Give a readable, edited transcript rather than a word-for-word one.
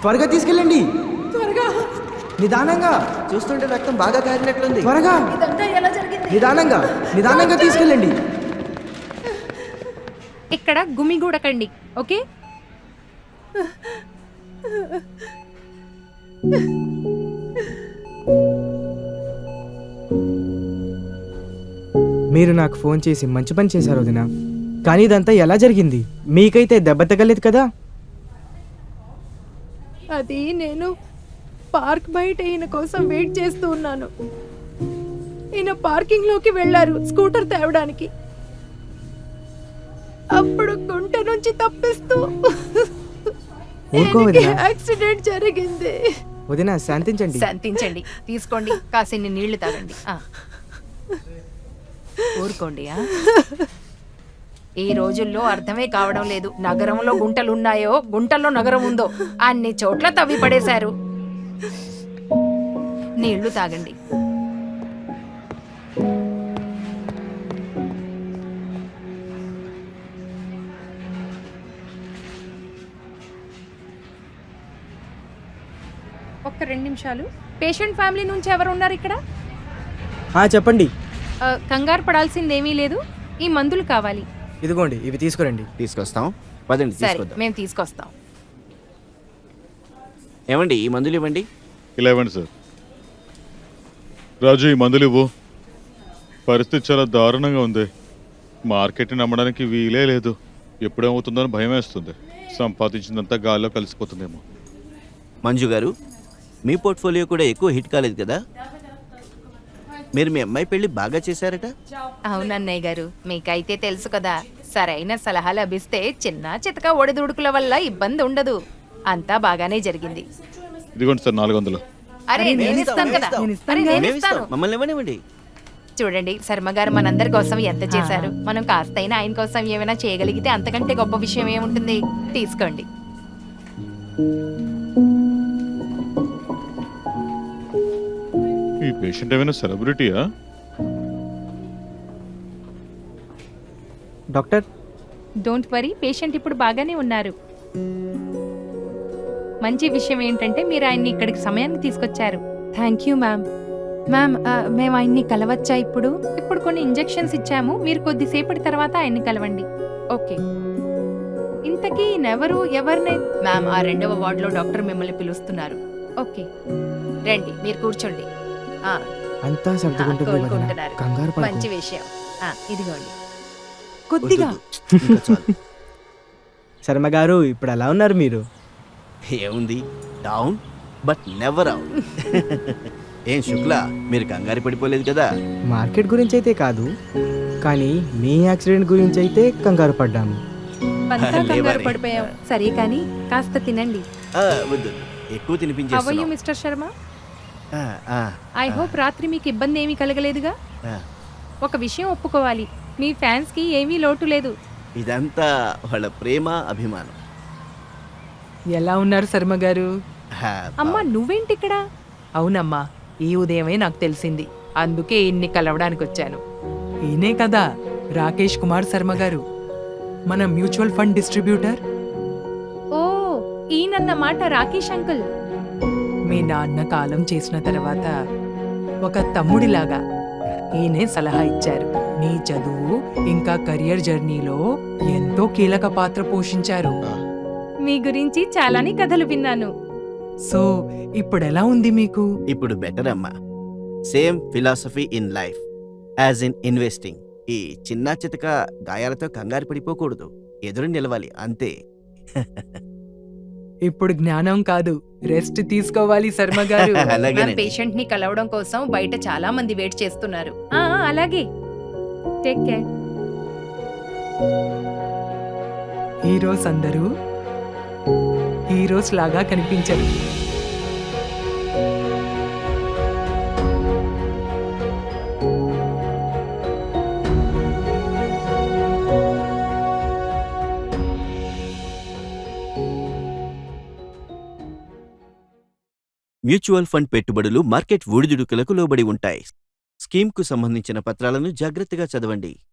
త్వరగా తీసుకెళ్ళండి. త్వరగా. నిదానంగా. చూస్తుంటే రక్తం బాగా కారినట్లుంది. త్వరగా. ఇదంతా ఎలా జరిగింది? నిదానంగా నిదానంగా తీసుకెళ్ళండి. ఇక్కడ గుమిగూడకండి, ఓకే? మీరు నాకు ఫోన్ చేసి మంచి పని చేశారు వదిన. కానీ ఇదంతా ఎలా జరిగింది? మీకైతే దెబ్బ తగ్గలేదు కదా? అది నేను పార్క్ బయట ఈయన కోసం వెయిట్ చేస్తూ ఉన్నాను. ఈయన పార్కింగ్ లోకి వెళ్ళారు స్కూటర్ తేవడానికి. అప్పుడు గుంట నుంచి తప్పిస్తూ ఊరుకో ఈయనకి వదినా. యాక్సిడెంట్ జరిగింది. వదిన శాంతించండి. శాంతించండి, తీసుకోండి, కాసిన్ని నీళ్లు తాగండి. ఊరుకోండి. ఈ రోజుల్లో అర్థమే కావడం లేదు, నగరంలో గుంటలున్నాయో గుంటల్లో నగరం ఉందో. అన్ని చోట్ల తవ్వి పడేశారు. నీళ్లు తాగండి. ఒక్క 2 నిమిషాలు. పేషెంట్ ఫ్యామిలీ నుంచి ఎవరు ఉన్నారు ఇక్కడ? చెప్పండి. కంగారు పడాల్సిందేమీ లేదు, ఈ మందులు కావాలి. ఇదిగోండి, ఇవి తీసుకురండి. తీసుకొస్తాం, పదండి సరే, తీసుకొద్దాం. మేము తీసుకొస్తాం. ఏమండి ఈ మందులు ఇవ్వండి. ఇలా ఇవ్వండి సార్. రాజు, ఈ మందులు ఇవ్వు. పరిస్థితి చాలా దారుణంగా ఉంది. మార్కెట్ని నమ్మడానికి వీలే లేదు. ఎప్పుడేమవుతుందో అని భయం వేస్తుంది. సంపాదించిందంతా గాల్లో కలిసిపోతుందేమో. మంజు గారు, మీ పోర్ట్ఫోలియో కూడా ఎక్కువ హిట్ కాలేదు కదా? మీరు మీ అమ్మాయి పెళ్లి బాగా చేశారట. అవునన్నయ్య గారు, మీకైతే తెలుసు కదా, సరైన సలహా లభిస్తే చిన్న చితక ఒడిదుడుకుల వల్ల ఇబ్బంది ఉండదు. అంతా బాగానే జరిగింది. ఇదిగోండి సార్ 400. అరే నేను ఇస్తాను కదా. అరే నేను ఇస్తాను. మమ్మల్ని ఇవ్వనివ్వండి. చూడండి, శర్మ గారు మనందరి కోసం ఎంత చేశారు. మనం కాస్తైనా ఆయన కోసం ఏమైనా చేయగలిగితే అంతకంటే గొప్ప విషయం ఏముంటుంది. తీసుకోండి. ఈ పేషెంట్ ఏమైనా సెలబ్రిటీయా? డాక్టర్, డోంట్ వరీ, పేషెంట్ ఇప్పుడు బాగానే ఉన్నారు. మంచి విషయం ఏంటంటే మీరు ఆయన్ని ఇక్కడికి సమయానికి తీసుకొచ్చారు. Thank you ma'am. మ్యామ్, మేము ఆయన్ని కలవచ్చా? ఇప్పుడు కొన్ని ఇంజెక్షన్స్ ఇచ్చాము, మీరు కొద్దిసేపటి తర్వాత ఆయన్ని కలవండి. ఓకే. ఇంతకీ ఎవరిని? మ్యామ్, ఆ 2వ వార్డులో డాక్టర్ మిమ్మల్ని పిలుస్తున్నారు. ఓకే, రండి, మీరు కూర్చోండి. అంతా సర్దుకుంటుంది వదిన. కోలుకుంటున్నారు. కంగారు పడకు. మంచి విషయం. ఇదిగోండి. కొద్దిగా. ఇంకా చాలు. శర్మ గారు, ఇప్పుడు ఎలా ఉన్నారు మీరు? ఏముంది, డౌన్ బట్ నెవర్ అవుట్. ఏం శుక్లా, మీరు కంగారు పడిపోలేదు కదా? మార్కెట్ గురించి అయితే కాదు, కానీ మీ యాక్సిడెంట్ గురించి అయితే కంగారు పడ్డాము. అంతా కంగారు లేవని. పడిపోయాం. సరే కానీ కాస్త తినండి. వద్దు, ఎక్కువ హౌ ఆర్ యు తినిపించేస్తున్నావు. మిస్టర్ శర్మ? ఆ, ఆ, ఐ హోప్ రాత్రి మీకు ఇబ్బంది ఏమీ కలగలేదుగా? ఆ. ఒక విషయం ఒప్పుకోవాలి, మీ ఫ్యాన్స్ కి ఏమీ లోటు లేదు. ఇదంతా వాళ్ళ ప్రేమ, అభిమానం. ఎలా ఉన్నారు శర్మ గారు? అమ్మా, నువ్వేంటి ఇక్కడ? అవునమ్మా, ఈ ఉదయమే నాకు తెలిసింది. అందుకే ఇన్ని కలవడానికి వచ్చాను. ఈయనే కదా రాకేష్ కుమార్ శర్మ గారు, మన మ్యూచువల్ ఫండ్ డిస్ట్రిబ్యూటర్. ఓ, ఈయనన్నమాట రాకేష్ అంకుల్. మీ నాన్న కాలం చేసిన తర్వాత ఒక తమ్ముడిలాగా ఈయనే సలహా ఇచ్చారు. నీ చదువు ఇంకా కెరియర్ జర్నీలో ఎంతో కీలక పాత్ర పోషించారు. మీ గురించి చాలానే కథలు విన్నాను. సో ఇప్పుడెలా ఉంది మీకు? ఇప్పుడు బెటర్ అమ్మా. Same philosophy in life as in investing. ఈ చిన్న చితక గాయాలతో కంగారు పడిపోకూడదు, ఎదురు నిలవాలి అంతే. ఇప్పుడు జ్ఞానం కాదు, రెస్ట్ తీసుకోవాలి శర్మ గారు. మన అలాగేనండి. పేషెంట్ ని కలవడం కోసం బయట చాలా మంది వెయిట్ చేస్తున్నారు. అలాగే, టేక్ కేర్. హీరోస్ అందరూ హీరోస్ లాగా కనిపించరు. మ్యూచువల్ ఫండ్ పెట్టుబడులు మార్కెట్ ఒడిదుడుకులకు లోబడి ఉంటాయి. స్కీమ్కు సంబంధించిన పత్రాలను జాగ్రత్తగా చదవండి.